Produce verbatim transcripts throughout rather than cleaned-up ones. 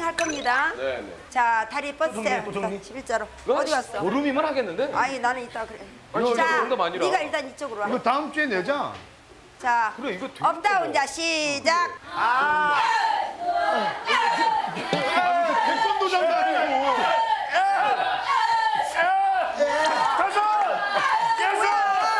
할 겁니다. 네네. 자, 다리 뻗으세요. 또 정리, 또 정리. 십일자로. 어디 갔어? 보름이면 하겠는데? 아니, 나는 이따 그래. 아니, 자, 진짜 농담 아니라. 네가 일단 이쪽으로 와. 이거 다음 주에 내자. 자, 그래, 이거 되게 업다운 자 시작. 태권도장도 아니고. 다섯, 여섯,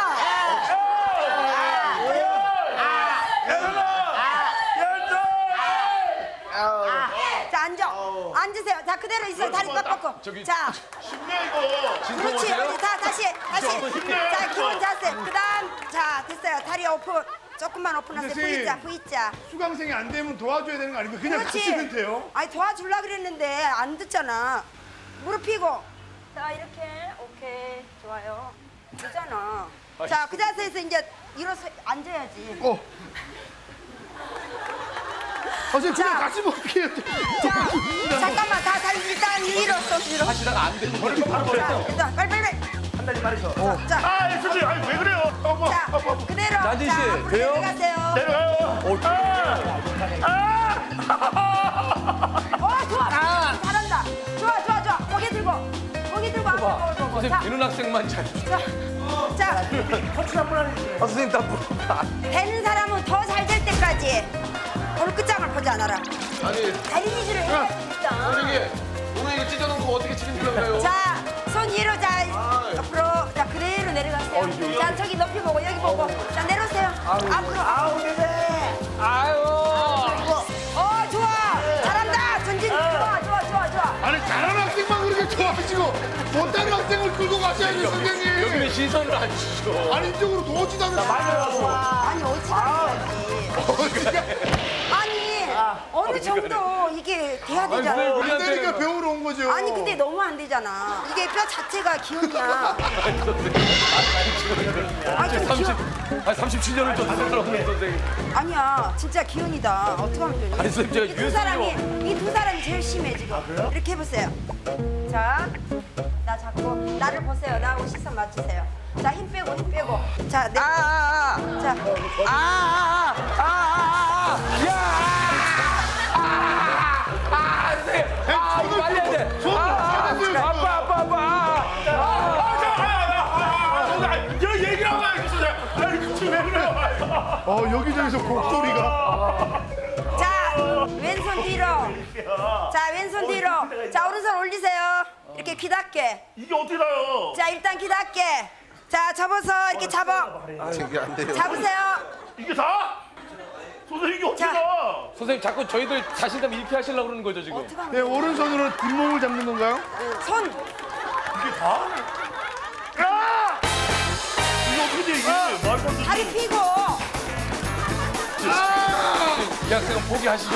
자, 앉아. 앉으세요. 자, 그대로 있어요. 다리 꽉 뻗고. 저기- 자, 쉽네 이거. 그렇지. 진통하세요? 어디 다 다시 다시. 힘내. 자, 기본 자세. 그다음 자, 됐어요. 다리 오픈. 조금만 오픈하세요. 선생님. V자, V자. 수강생이 안 되면 도와줘야 되는 거 아닙니까? 그냥 그렇지. 가시면 돼요. 아니 도와주려 그랬는데 안 듣잖아. 무릎 펴고. 자, 이렇게. 오케이. 좋아요. 되잖아. 자, 그 자세에서 이제 일어서 앉아야지. 어. 아, 선생님 그냥 자. 가시면 어떡해요. 자, 잠깐만. 다 다리 일단 위로 쏙 위로. 하시다가 안 되는 거를 바로 자, 버렸어. 일단 빨리 빨리. 빨리. 한 달이 말이죠. 자, 아, 예, 선생님, 아니 왜 그래요? 어머, 자, 어머, 그대로. 난진 씨, 자, 앞으로 돼요? 내려가세요. 내려가요. 어, 좋아. 잘한다. 좋아, 좋아, 좋아. 고개 들고. 고개 들고 앞으로 봐. 보고. 선생님, 자, 되는 학생만 잘. 자, 자, 커치 한번 하시죠. 아, 선생님, 다 물어봐. 되는 사람은 더 잘 될 때까지 오늘 끝장을 보지 않아라. 아니, 다리 위주로 해야 진짜. 선생님, 오늘 이거 찢어놓은 거 어떻게 치는 건가요? 자, 손 위로 자, 앞으로. 자, 그대로 내려가세요. 자, 저기 높이 보고, 여기 보고. 자, 내려오세요. 앞으로. 아우, 네네. 아유. 어, 좋아. 잘한다. 전진. 좋아, 좋아, 좋아, 좋아. 아니 잘하는 학생만 그렇게 좋아하시고 못하는 학생을 끌고 가셔야지 선생님. 여기는 시선을 안 주죠. 아니 이쪽으로 도 오지도 않는 아니, 어찌 가야지. 아니, 어느 정도 이게 돼야 아니, 되잖아. 왜 안 우리한테 되니까 배우러 온 거죠. 아니, 근데 너무 안 되잖아. 이게 뼈 자체가 기운이야. 아니, 좀 삼십, 기운. 아니, 삼십칠 년을 좀 살아오는 선생님. 아니야, 진짜 기운이다. 어떻게 하면 되니? 아니, 선생님, 제가 이 두 유해성이 사람이, 이 두 사람이 제일 심해, 지금. 이렇게 해보세요. 자, 나 잡고, 나를 보세요. 나하고 시선 맞추세요. 자, 힘 빼고, 힘 빼고. 자, 내. 아, 아, 아. 자, 아, 아, 아, 아, 아, 아, 야! 아, 아, 선생님. 아, 이거 빨리 해야 돼. 손, 아, 손, 손. 아빠, 아빠, 아빠. 여 얘기하고 와요, 선생님. 아니, 그치 왜 그래요? 어 여기저기서 곡소리가. 자, 왼손 뒤로. 자, 왼손 뒤로. 자, 오른손 올리세요. 이렇게 귀 닫게. 이게 어떻게 나요? 자, 일단 귀 닫게. 자, 접어서 이렇게 잡아. 이게 안 돼요. 잡으세요. 이게 다? 선생님 이게 어떻게 자. 나? 선생님, 자꾸 저희들 자신감 잃게 하시려고 그러는 거죠, 지금? 어떻게 하면 네 오른손으로 뒷몸을 잡는 건가요? 손. 이게 다? 야! 이거 어떻게 돼 이게? 말도 안 돼. 다리 펴고. 이 학생은 포기하시죠.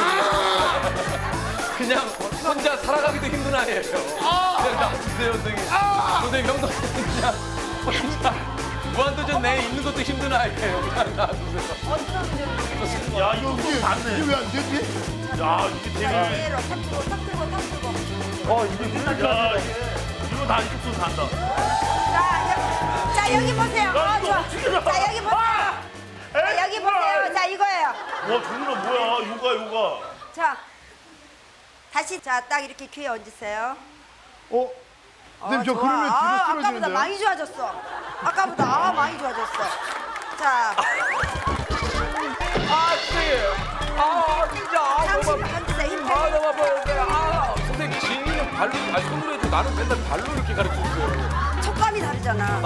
그냥 혼자 살아가기도 힘든 아이예요. 그냥 놔두세요, 선생님. 선생님, 형도 그냥 혼자 무한도전 내에 있는 것도 힘든 아이예요. 그냥 놔두세요. 어떻게 하면 되니? 야, 이거 이게 닿네. 이게 왜 안 되지? 야, 이게 되게. 그대로 탁 들고, 탁 들고, 탁 들고. 어, 이게 야, 이게 이거 다 이쪽 손 단다. 자, 여기, 자, 여기 보세요. 어, 좋아. 자, 여기 보세요. 자, 여기 보세요. 자, 이거예요. 와, 종민아 뭐야? 요가, 요가. 자, 다시 자, 딱 이렇게 귀에 얹으세요. 어? 선생님 저 좋아. 그러면 뒤로 아, 아까보다 쓰러지는데요? 많이 좋아졌어. 아까보다 아, 많이 좋아졌어. 자, 아, 선생님. 아, 진짜. 아, 잠시 너무 아파. 얹으세요. 힘 아, 빼고. 너무 아파요. 아, 선생님, 진이는 발로, 아니, 손으로 해도 나는 맨날 발로 이렇게 가르쳐 줬어요. 촉감이 다르잖아.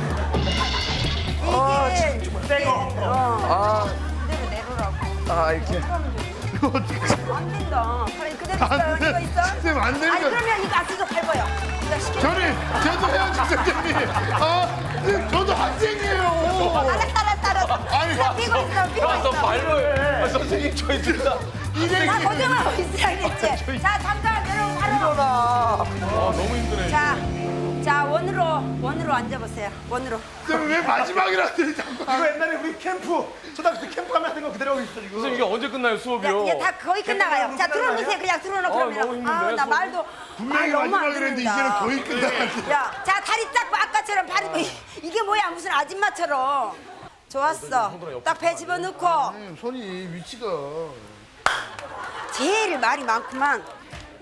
아, 이게 이게 어, 아, 그대로 내로라고. 아, 이렇게. 안 된다. 그래, 그대로 있어요. 안 돼. 이거 있어? 선생님, 안 되니까. 아니, 그러면 이거 아스도 밟아요. 이거 시켜. 저는 저도 해야지 선생님. 아 선생님 저도 학생이에요. 알았어, 알았어, 알았어. 아니, 자, 삐고 있어, 삐고 와서 있어. 발로 해. 아, 선생님, 저희 둘 다. 나 고정하고 있어야 겠지. 자, 잠깐 여러분 바로. 일어나. 아, 너무 힘드네. 자, 자 원으로 원으로 앉아보세요. 원으로. 선생님 왜 마지막이라 하더니 자꾸. 이거 옛날에 우리 캠프 초등학교 때 캠프 가면 하던 거 그대로 하고 있어 지금. 선생님, 이게 언제 끝나요, 야, 수업이요? 이제 다 거의 끝나가요. 자, 들어놓으세요. 그냥 들어놓고 아, 너무 그러면. 힘든데, 아, 나 수업. 말도 분명히 말 너무 안 마지막이라 했는데 듣는다. 이제는 거의 끝나갔는데. 야, 자, 다리 딱 봐. 아까처럼 발이 뭐, 이게 뭐야? 무슨 아줌마처럼. 좋았어. 딱 배 집어넣고 선생님 손이 위치가. 제일 말이 많구만.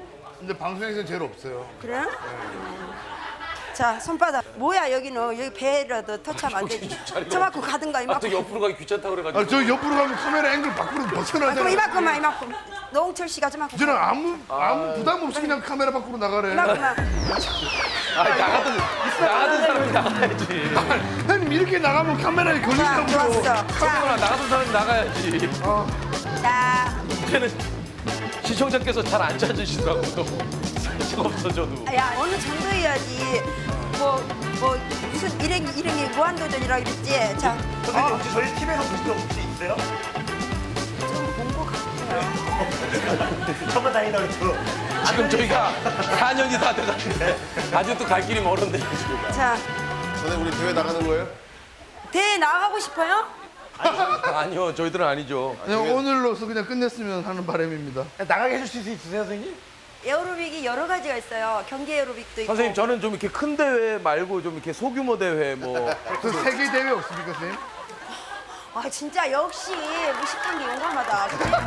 근데 방송에서는 제일 없어요. 그래? 음. 자, 손바닥. 뭐야, 여기는. 여기 배라도 터치하면 안 되지. 저만큼 가든가, 아, 이만큼. 또 옆으로 가기 귀찮다 그래가지고. 아, 저 옆으로 가면 카메라 앵글 밖으로 아, 그럼 벗어나잖아요. 이만큼만, 이만큼. 노홍철 씨가 저만큼. 저는 아무 아무 부담 없이 그냥 카메라 밖으로 나가래. 이만큼만. 아, 나가던, 나가던 사람이 나가야지. 형님 이렇게 나가면 카메라에 자, 걸린다고요. 좋았어. 자, 그러나 나가던 사람이 나가야지. 자. 이제는 시청자께서 잘 안 찾으시더라고. 살짝 없어져도. 야, 어느 정도 해야지. 뭐, 뭐, 무슨 일행이, 일행이 무한도전이라고 그랬지? 자, 선생님 혹시 저희 팀에서 보신 적 혹시 있어요? 좀 본 것 같아요. 정말 다행이다 그랬죠. 지금 저희가 사 년이 다 돼가는데 아직도 갈 길이 멀었네. 지금. 자, 선생님 우리 대회 나가는 거예요? 대회 나가고 싶어요? 아니요, 저희들은 아니죠. 그냥 오늘로서 그냥 끝냈으면 하는 바람입니다. 나가게 해주실 수 있으세요 선생님? 에어로빅이 여러 가지가 있어요. 경기 에어로빅도 있고. 선생님, 저는 좀 이렇게 큰 대회 말고 좀 이렇게 소규모 대회 뭐. 그 세계 대회 없습니까, 선생님? 아, 진짜 역시 무식한 게 용감하다.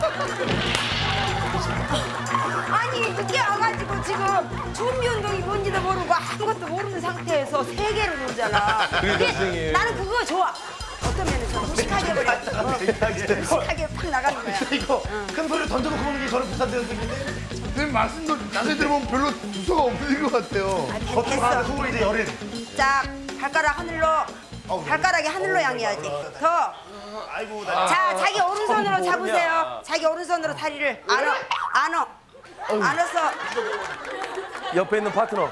아니, 늦게 와가지고 지금 준비 운동이 뭔지도 모르고 아무것도 모르는 상태에서 세 개를 놀잖아. 그러니까 근데 선생님. 나는 그거 좋아. 어떤 면에서 무식하게 버려. 어, 무식하게 팍 나가는 거야. 이거 큰 소리를 던져놓고 보는 게 저는 비싼데요 선생님? 선생님 말씀도 자세히 들어보면 별로 두서가 없는 것 같아요. 아, 겉으로 가는 됐어. 속으로 이제 열은. 자, 발가락 하늘로. 발가락이 하늘로 향해야지. 더. 아이고 나. 자, 자기 오른손으로 잡으세요. 자기 오른손으로 다리를 안어, 안어, 안어서 옆에 있는 파트너.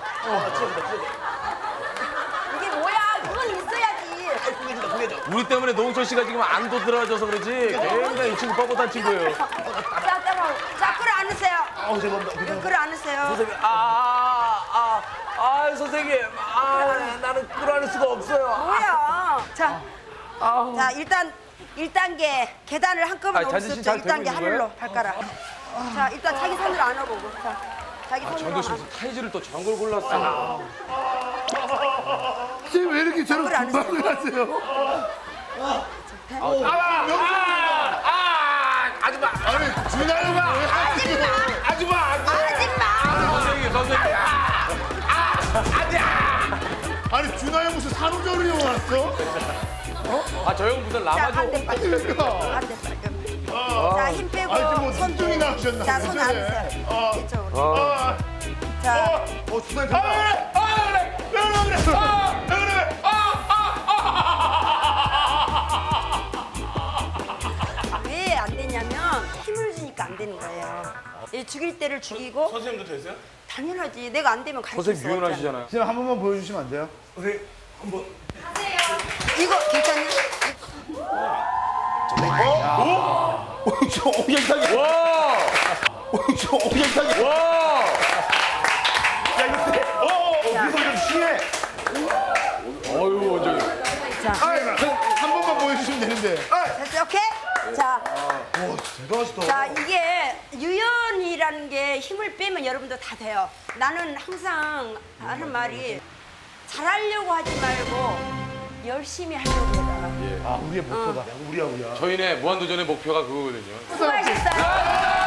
이게 뭐야? 그건 있어야지. 구겨진다 구겨져. 우리 때문에 노홍철 씨가 지금 안도 들어져서 그러지. 굉장히 이 친구 뻣뻣한 친구예요. 자, 따라오. 자, 끌어 안으세요. 아우 죄송합니다. 죄송합니다. 끌어 안으세요. 선생님, 아, 아, 아, 아, 선생님. 아, 나는 끌어안을 수가 없어요. 뭐야? 자, 자, 일단 일 단계 계단을 한꺼번에 아, 오를 자존심 수 잘 없죠. 일 단계 되고 있는 하늘로 거예요? 발가락. 자, 일단 자기 손으로 안아보고. 자, 자기 손으로 정도 씨 안아. 무슨 타이즈를 또 저런 걸 골랐어. 선생님 왜 이렇게 저런 그걸 안 금방을 하세요? 아줌마, 아니, 준하영아! 아줌마! 아줌마! 선생님, 선생님. 아니, 준하영 무슨 산후조리 형 왔어? 아, 저 형 무슨 자, 라마조. 반대 빨리. 그러니까. 반대 빨리. 자, 힘 빼고. 아니, 지금 뭐 손 눈종이 나오셨나? 자, 손 안으세요. 이쪽으로. 아, 자, 어, 준하영 된다. 아 그래. 왜 그래 그래. 아 왜 그래. 왜 안 되냐면 힘을 주니까 안 되는 거예요. 이 죽일 때를 죽이고. 선생님도 되세요? 당연하지. 내가 안 되면 가르칠 선생님 수 없잖아. 유연하시잖아요. 선생님 한 번만 보여주시면 안 돼요? 선생님 한번. 이거 괜찮니? 저 오경탁이. 와! 저 오경탁이. 와! 야 이거 돼. 어. 이거 좀 쉬해. 어유 원장님. 자, 한 번만 보여주시면 되는데. 됐어. 오케이? 자, 대단하시다. 자, 이게 유연이라는 게 힘을 빼면 여러분도 다 돼요. 나는 항상 하는 말이 잘하려고 하지 말고 열심히 하려고 해라. 아 우리의 목표다. 우리야 우리야. 저희네 무한도전의 목표가 그거거든요. 수고하셨어요.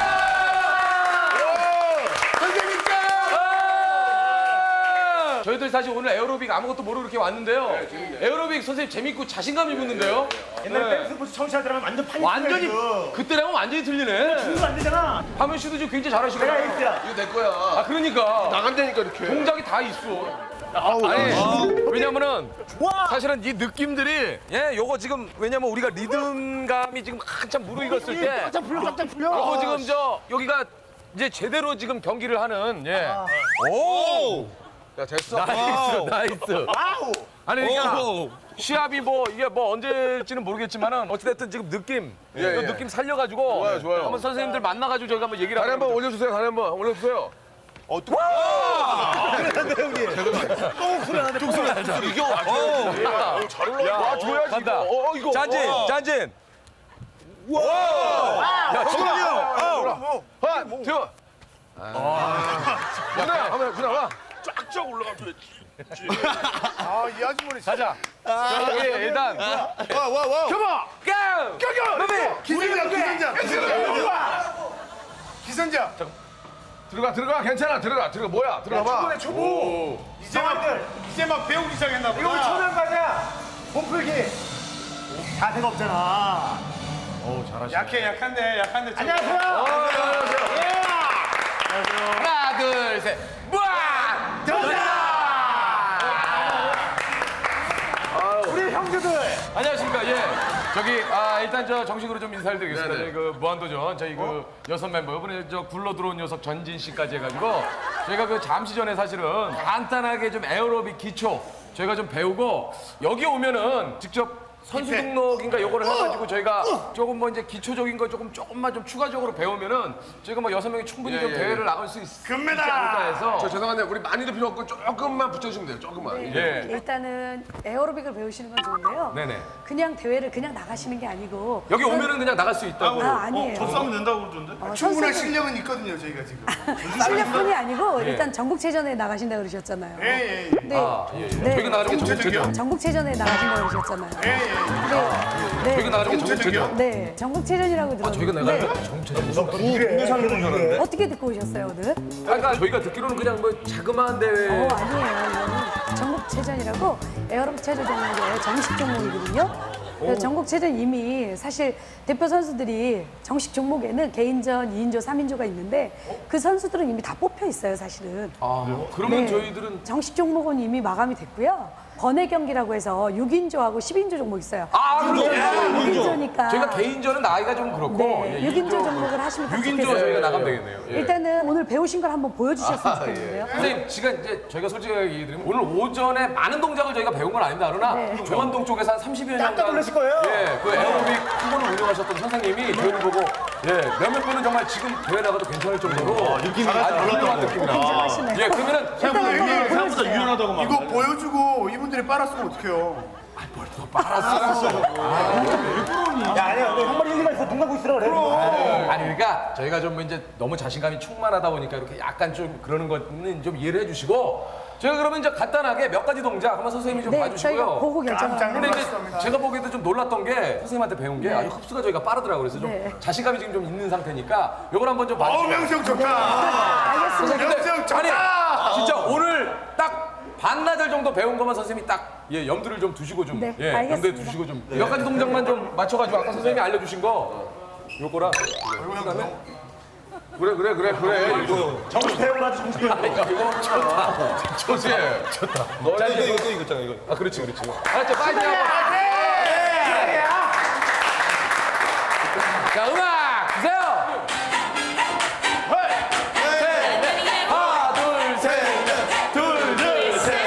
저희들 사실 오늘 에어로빅 아무것도 모르고 이렇게 왔는데요. 에어로빅 선생님 재밌고 자신감이 붙는데요. 옛날에 네. 댄스 스포츠 처음 시작하면 완전 파닉. 완전히 그때랑은 완전히 틀리네. 준수 안 되잖아. 하면 씨도 지금 굉장히 잘하시고. 내가 에이스야. 이거 내 거야. 아 그러니까 나간다니까, 이렇게. 동작이 다 있어. 아우, 아니 아. 왜냐면은 사실은 이 느낌들이 예 요거 지금 왜냐면 우리가 리듬감이 지금 한참 무르익었을 때 깜짝 풀려 깜짝 풀려. 요거 지금 저 여기가 이제 제대로 지금 경기를 하는 예. 오! 야, 됐어. 나이스 나이스. 와우. 아니 그러니까 시합이 뭐 이게 뭐 언제일지는 모르겠지만은 어찌됐든 지금 느낌 예, 이 예. 느낌 살려가지고 좋아요, 좋아요. 한번 선생님들 만나가지고 저희가 한번 얘기를 다리 한번 해보죠. 올려주세요. 다리 한번 올려주세요. 어, 또. 똥 소리 나는데. 이겨. 어, 잘 올라가. 와, 줘야지. 간다. 이거. 어, 이거. 짠진 와. 짠진. 와. 야 지금 어. 하나, 둘. 아. 준아, 한번 준아 와. 쫙쫙 올라가줘야지. 아, 이 아주머니. 가자. 저기 일단 와, 와, 와. 켜봐. 고! 껴겨. 기선자, 기선자. 기선자. 기선자. 들어가 들어가 괜찮아 들어가 들어가 뭐야 들어가 봐. 초보네 초보. 이제 막 이제 막 배우기 시작했나 보다. 이거 우리 초면가냐? 몸풀기. 자세가 없잖아. 오 잘하시네. 약해 약한데 약한데. 안녕하세요. 어, 안녕하세요. 하나, 둘, 셋. 무아! 우리 형제들. 안녕하십니까. 예. 저기 아 일단 저 정식으로 좀 인사를 드리겠습니다. 네네. 저희 그 무한도전 저희 그 여섯 멤버 이번에 저 굴러 들어온 녀석 전진 씨까지 해가지고 저희가 그 잠시 전에 사실은 간단하게 좀 에어로빅 기초 저희가 좀 배우고 여기 오면은 직접 선수 등록인가 요거를 해가지고 저희가 조금 뭐 이제 기초적인 거 조금 조금만 좀 추가적으로 배우면은 저희가 뭐 여섯 명이 충분히 예, 좀 예, 대회를 예. 나갈 수 있, 있지 금메달! 않을까 해서 저 죄송한데 우리 많이도 필요 없고 조금만 붙여주시면 돼요 조금만. 예. 일단은 에어로빅을 배우시는 건 좋은데요. 네네. 그냥 대회를 그냥 나가시는 게 아니고 여기 오면은 그냥 나갈 수 있다고. 아, 아니에요. 저 싸면 된다고 그러던데. 어, 충분한 선수들- 실력은 있거든요 저희가 지금. 실력뿐이 아니고 예. 일단 전국체전에 나가신다고 그러셨잖아요. 예, 예, 예. 네. 아, 예, 예. 네. 저희가 나가는 게 전국체전이요? 전국체전. 전국체전에 나가신다고 그러셨잖아요. 예, 예. 네. 저희가 나가는 게 전국체전. 네, 전국체전이라고 들었는데 저희가 나가는 게 전국체전. 네. 어떻게 듣고 오셨어요 오늘? 그러니까 저희가 듣기로는 그냥 뭐 자그마한 대회. 어 아니에요. 이거는 전국체전이라고 에어로빅 체조 종목의 정식 종목이거든요. 그래서 전국체전 이미 사실 대표 선수들이 정식 종목에는 개인전, 이인조, 삼인조가 있는데 그 선수들은 이미 다 뽑혀 있어요 사실은. 아, 그러면 네. 저희들은 정식 종목은 이미 마감이 됐고요. 번외 경기라고 해서 육인조하고 십인조 종목 있어요. 아, 그렇죠. 육인조니까. 저희가 개인전은 나이가 좀 그렇고 네, 예, 육인조 이인조, 종목을 하시면 더 육인조 좋겠어요. 저희가 나가면 되겠네요. 예. 일단은 오늘 배우신 걸 한번 보여주셨으면 아, 좋겠는데요. 선생님, 지금 이제 저희가 솔직하게 얘기드리면 오늘 오전에 많은 동작을 저희가 배운 건 아닙니다. 그러나 네. 조원동 쪽에서 한 삼십여 년간 깜짝 놀라실 거예요. 예, 그 에어로빅 학원을 운영하셨던 선생님이 저희를 보고 예, 몇몇 분은 정말 지금 대회 나가도 괜찮을 정도로 느낌이 아주 훌륭한 느낌이다. 굉장하시네요. 예, 그러면은 일단 한번 생각보다 보여주세요. 유연하다고 막. 이거 보여주고 이분들이 빨았으면 어떡해요? 야, 아니야. 너 한 마리 일리가 있어. 눈 감고 있으라 그래. 아니 그러니까 저희가 좀 이제 너무 자신감이 충만하다 보니까 이렇게 약간 좀 그러는 거는 좀 이해를 해주시고 저희가 그러면 이제 간단하게 몇 가지 동작 한번 선생님이 좀 네, 봐주시고요. 저희가 보고 결정하는 근데 이제 놀랐습니다. 제가 보기에도 좀 놀랐던 게 선생님한테 배운 게 아주 흡수가 저희가 빠르더라고요. 그래서 좀 네. 자신감이 지금 좀 있는 상태니까 이걸 한번 좀 어 봐주세요. 명성 좋다. 알겠습니다. 근데 명성 좋다. 아니 진짜 오늘 딱 반나절 정도 배운 것만 선생님이 딱 예, 염두를 좀 두시고 좀 네, 예, 알겠습니다. 염두에 두시고 좀 몇 가지 동작만 좀 맞춰가지고 아까 선생님이 알려주신 거 요거랑 그다음에 그래 그래 그래 그래 이거 정식 배우고 나지 정식 배우고. 이거 좋다 좋지 좋다 자 이제 이거 이거 있잖아 이거 아 그렇지 그렇지 알았죠 파이팅 한번 자 음악 주세요 셋넷 하나 둘셋 둘, 둘, 셋.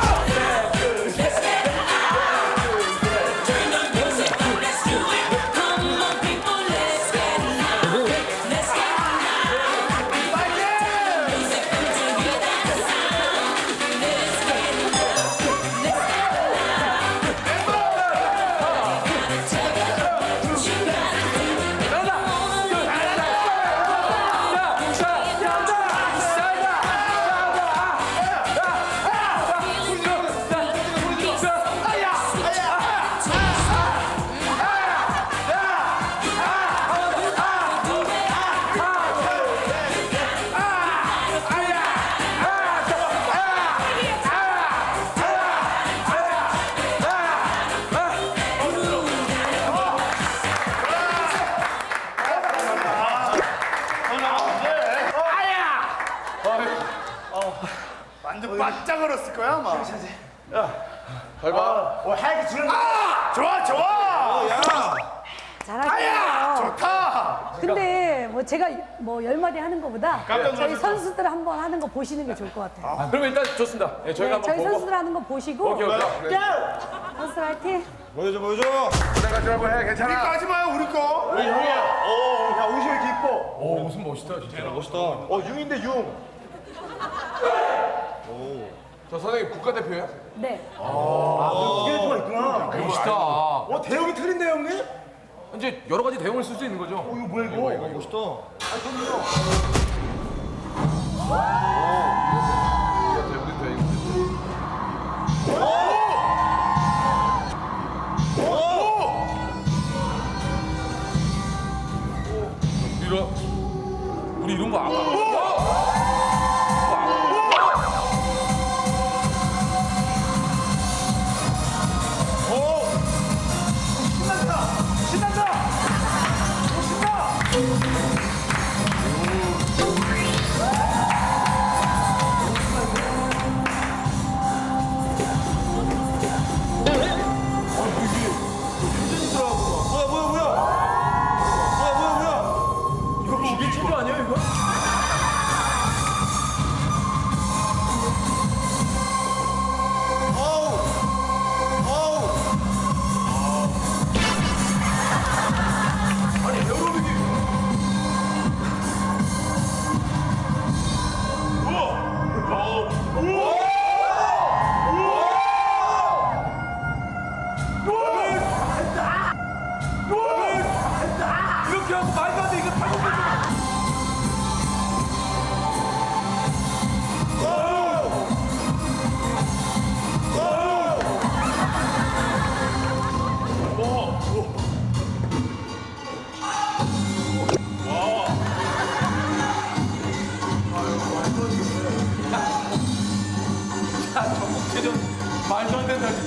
완전 바짝 얼었을 거야 아마. 어, 하얗게 주는 아 좋아 좋아. 잘하시네요. 좋다. 근데 뭐 제가 뭐 열 마디 하는 것보다 깜짝 저희 놀랐어. 선수들 한번 하는 거 보시는 게 좋을 것 같아요. 아, 그러면 일단 좋습니다 예, 저희가 네, 한번 저희 보고 선수들 하는 거 보시고 오케이 오케이 선수들 화이팅! 보여줘 보여줘. 내가 좀 한번 해 우리 거 괜찮아. 하지 마요 우리 거. 우리 형이야. 어, 야 옷이 왜 이렇게 이뻐? 오 무슨 멋있다 진짜 멋있다. 어 융인데 융. 저 선생님 국가대표예요? 네. 기계가 있구나. 멋있다 어 대형이 틀린데 형님? 이제 여러 가지 대응을 쓸 수 있는 거죠 이거 뭐야 이거? 이거 멋있다. 우리 이런 우리 이런 거 알아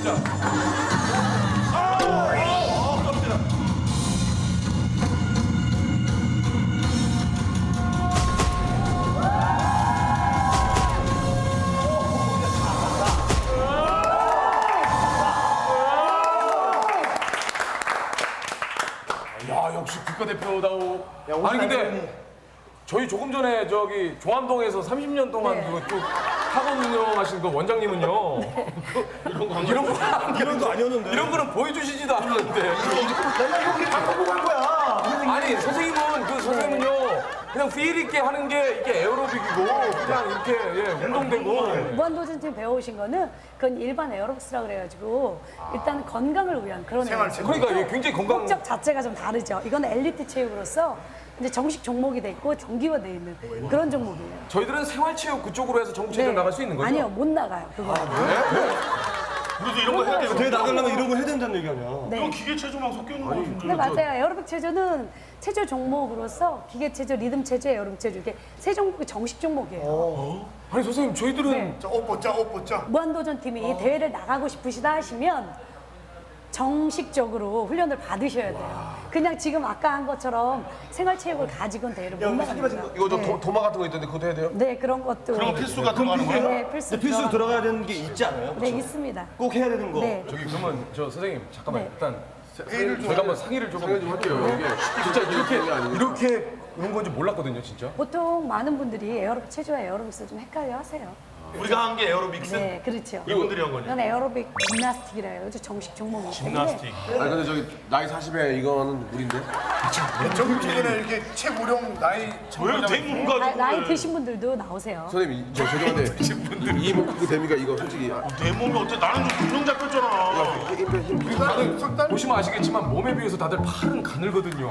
진짜. 야, 역시 국가대표다오. 아니 근데 저희 조금 전에 저기 종암동에서 삼십 년 동안 네. 그쭉 학원 운영하신 그 원장님은요. 그, 이런 거 이런 거 이런 거 아니었는데. 이런 거는 보여주시지도 않는데. 내가 이거 그냥 바꾸고 간 거야. 아니 선생님은 그 선생님은요 그냥 필 있게 하는 게 이게 에어로빅이고 그냥 이렇게 예, 운동되고. 무한도전팀 배워오신 거는 그건 일반 에어로빅스라 그래가지고 일단 건강을 위한 그런 생활체육. 에어로빅. 그러니까 이게 굉장히 건강. 목적 자체가 좀 다르죠. 이건 엘리트 체육으로서 이제 정식 종목이 돼 있고 정기화돼 있는 그런 종목이에요. 저희들은 생활체육 그쪽으로 해서 전국체전 나갈 수 있는 거죠? 아니요, 못 나가요. 그거. 우리도 이런 거 해야 돼. 대회 나가려면 이런 거 해야 된다는 얘기 아니야. 네. 기계 체조만 섞여 있는 거 같은데. 네, 맞아요. 에어로빅 체조는 체조 종목으로서 기계 체조, 리듬 체조, 에어로빅 체조 이게 세 종목이 정식 종목이에요. 아니 선생님 저희들은 네. 자, 옷 벗자, 옷 벗자. 무한도전 팀이 대회를 나가고 싶으시다 하시면 정식적으로 훈련을 받으셔야 돼요. 그냥 지금 아까 한 것처럼 생활체육을 가지고는 대회를 못 나갑니다. 이거 저 네. 도, 도마 같은 거 있던데 그것도 해야 돼요? 네, 그런 것도. 그런 거 필수 같은 거 하는 거야? 네, 필수. 필수 들어가- 들어가야 되는 게 있지 않아요? 네, 있습니다. 꼭 해야 되는 거. 네. 저기 그러면 저 선생님 잠깐만 네. 일단 회의를 저희가 한번 상의를 좀, 상의 좀 할게요. 이게 진짜 이렇게 게 아니고. 이렇게 이런 건지 몰랐거든요 진짜. 보통 많은 분들이 에어로빅 체조와 에어로빅스 좀 헷갈려 하세요. 우리가 한 게 에어로빅스. 네, 그렇죠. 이분들이 한 거냐? 이건 에어로빅 짐나스틱이라 해요. 정식 종목이기 때문에. 짐나스틱. 아니 근데 저기 나이 사십에 이거는 우린데? 정규체전에 이렇게 최고령 나이 왜 대문 나, 가지고 나이 드신 분들도 나오세요. 선생님 저 죄송한데 이 몸 그거 됩니까 이거 솔직히 아, 내 몸이 어때? 나는 좀 균형 잡혔잖아. 힘, 힘, 힘. 나는 석달 보시면 아시겠지만 몸에 비해서 다들 팔은 가늘거든요.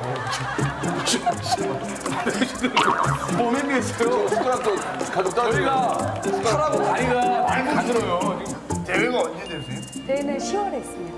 몸에 비해서요. 숟가락도 가족 따로 저희가 팔하고 다리가 많이 가늘어요. 지금 대회가 언제 되세요? 대회는 시월에 있습니다.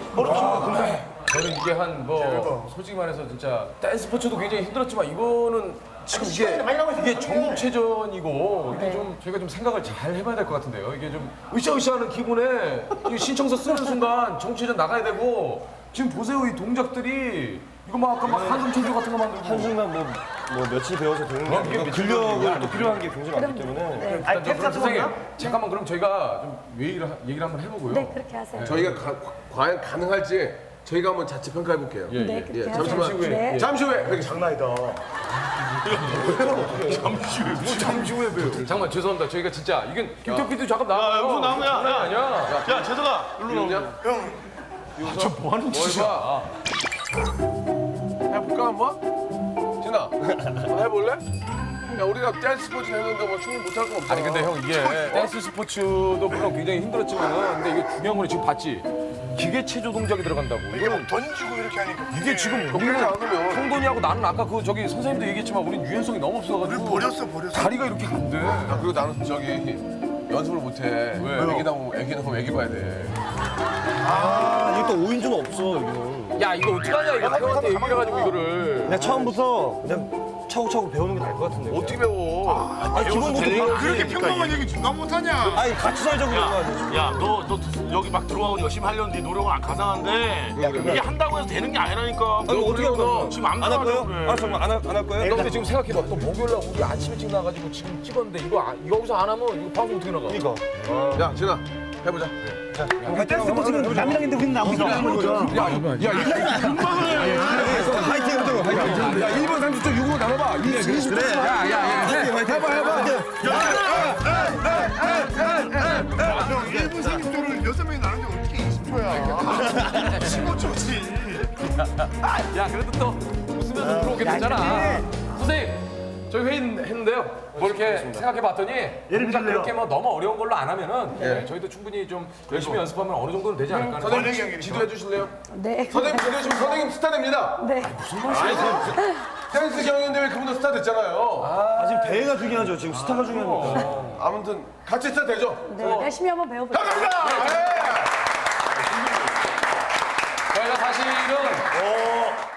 저는 이게 한 뭐 솔직히 말해서 진짜 댄스 스포츠도 굉장히 힘들었지만 이거는 지금 이게 이게 전국체전이고 이게 좀 저희가 좀 생각을 잘 해봐야 될 것 같은데요. 이게 좀 으쌰으쌰하는 기분에 이 신청서 쓰는 순간 전국체전 나가야 되고 지금 보세요 이 동작들이 이거 막 아까 막 한숨 체조 같은 거 만들고 한순간 뭐, 뭐 며칠 배워서 되는 게 아니고 근력을 또 필요한 게 굉장히 많기 때문에 네, 일단 저 그럼 선생님 잠깐만 그럼 저희가 좀 얘기를, 하- 얘기를 한번 해보고요. 네 그렇게 하세요. 저희가 가, 과연 가능할지 저희가 한번 자체 평가해 볼게요. 예, 네 예. 그렇게 예, 하세요. 잠시만. 후에. 네. 잠시 후에 뵙겠습니다. 장난이다. 뭐 잠시 후에 봬요. 잠깐만 죄송합니다. 저희가 진짜 이건 김태피도 잠깐 나와요. 무슨 나온 거야? 장난 아니야. 야, 재석아, 일로 이거냐? 형, 저뭐 하는 짓이야? 해볼까 한번? 진아, 한번 해볼래? 야 우리가 댄스 스포츠 했는데 뭐 춤을 못할 거 없잖아. 아니 근데 형 이게 댄스 스포츠도 물론 굉장히 힘들었지만은 근데 이게 중요한 건 지금 봤지? 기계 체조 동작이 들어간다고. 이거는 던지고 이렇게 하니까 이게 지금 우리는 그렇게 안 하면 형돈이하고 나는 아까 그 저기 선생님도 얘기했지만 우린 유연성이 너무 없어가지고 버렸어, 버렸어. 다리가 이렇게 안 돼. 야, 그리고 나는 저기 연습을 못해. 왜? 애기 나오면 애기 나오면 애기 봐야 돼. 아, 이게 또 오인조는 없어, 여기는. 야 이거 어떡하냐 이거 태형한테 얘기를 해가지고 이거를. 그냥 처음부터 그냥 차곡차곡 배우는 게 나을 것 같은데. 어떻게 배워? 아니, 기본부터 그렇게 평범한 얘기 중간 못하냐? 아니, 같이 살자고 그런 거 아니야? 야, 너, 너 여기 막 들어가고 열심히 하려는 네 노력은 안 가상한데 이게 한다고 해서 되는 게 아니라니까. 아니, 어떻게 할 거야? 지금 안 안 할 들어가려고 거예요? 그래. 알았어, 그럼 안 할, 안 할 거예요? 너 근데 지금 생각해봐. 또 목요일 날 우리 아침 일찍 나가지고 지금 찍었는데 이거 아- 이거 여기서 안 하면 이거 방송 어떻게 나가? 이거. 야 진아 해보자. 댄스 스포츠는 남이랑인데 우리는 나오자. 야, 야, 야, 화이팅 해보자고, 화이팅. 야, 일 분 삼십 초 육으로 나눠봐. 이십 분. 야, 야, 야. 해봐, 해봐. 형 일 분 삼십 초를 여섯 명이 나누는데 어떻게 이십 초야? 십오 초지. 야, 그래도 또 웃으면서 들어오게 되잖아. 선생님, 저희 회의 했는데요. 뭐 이렇게 생각해봤더니 동작 그렇게 뭐 너무 어려운 걸로 안 하면은 네, 저희도 충분히 좀 열심히 연습하면 어느 정도는 되지 않을까. 하는 선생님 지- 지도해 주실래요? 네. 선생님 지도해 주시면 선생님 스타 됩니다. 네. 댄스 경연대회 그분도 스타 됐잖아요. 아, 지금 대회가 중요하죠. 지금 스타가 중요하니까. 아무튼 같이 스타 되죠? 네, 열심히 한번 배워볼게요. 감사합니다. 예. 저희가 사실은